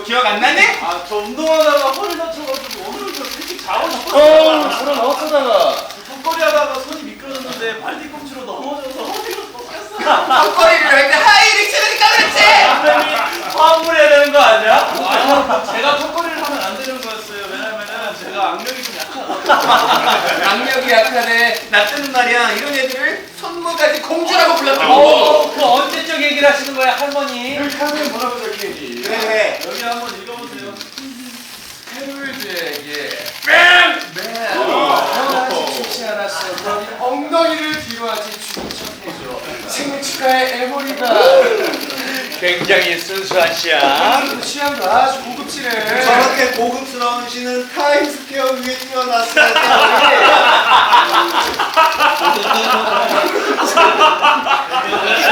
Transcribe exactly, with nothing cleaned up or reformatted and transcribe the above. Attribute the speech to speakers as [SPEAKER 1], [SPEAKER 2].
[SPEAKER 1] 기억 안 나니?
[SPEAKER 2] 아, 저 운동하다가 허리 다쳐가지고 오늘은 저 일찍 자고
[SPEAKER 3] 어,
[SPEAKER 2] 싶었어요.
[SPEAKER 3] 그럼 어쩌다가?
[SPEAKER 2] 턱걸이 하다가 손이 미끄러졌는데 발 뒤꿈치로 넘어져서 허리가 꺾였어.
[SPEAKER 1] 턱걸이를 할 때 하이를 치르니까 그렇지!
[SPEAKER 3] 선생님이 화물해야 되는 거 아니야?
[SPEAKER 2] 아, 제가 턱걸이를 하면 안 되는 거였어요. 왜냐면은 제가 악력이 좀 약하거든요.
[SPEAKER 1] 악력이 약하네. 나 때는 말이야 이런 애들을 손모가지 공주라고 불렀다고.
[SPEAKER 3] 어, 그 언제적 얘기를 하시는 거야, 할머니?
[SPEAKER 4] 여기 카드에 뭐라고 적혀있니?
[SPEAKER 1] 그래 그래.
[SPEAKER 2] 여기 한번 읽어보세요.
[SPEAKER 4] 해물제에게
[SPEAKER 1] 뺑!
[SPEAKER 4] 태어나지 좋지 않았어. 그러니 엉덩이를 뒤로 하지 죽은 척해줘. 생일 축하해 에모리가.
[SPEAKER 3] 굉장히 순수한 씨야.
[SPEAKER 4] 취향도 아주 고급지네.
[SPEAKER 5] 저렇게 고급스러운 시는 타임스퀘어 위에 띄워놨어요.